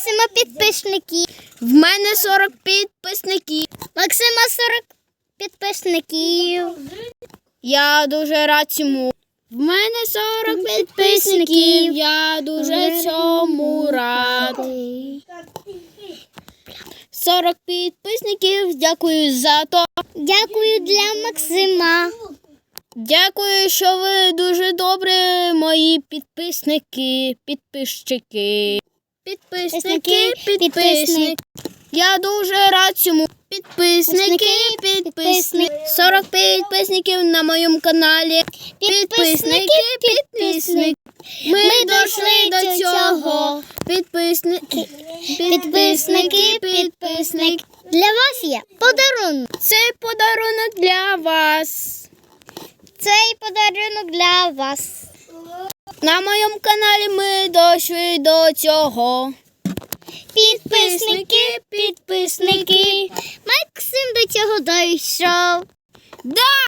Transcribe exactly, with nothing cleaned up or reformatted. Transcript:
Максима підписники. В мене сорок підписників. Максима сорок підписників. Я дуже рад цьому. В мене сорок підписників. Я дуже цьому рад. сорок підписників. Дякую за то. Дякую для Максима. Дякую, що ви дуже добрі, мої підписники, підписчики. Підписники, підписники. Я дуже рад цьому. Підписники, підписники. сорок підписників на моєму каналі. Підписники, підписники. Ми дійшли до цього. Підписники, підписники, підписники. Для вас є подарунок. Цей подарунок для вас. Цей подарунок для вас. На моєму каналі ми дійшли до цього. Підписники, підписники. Максим до цього дійшов. Да!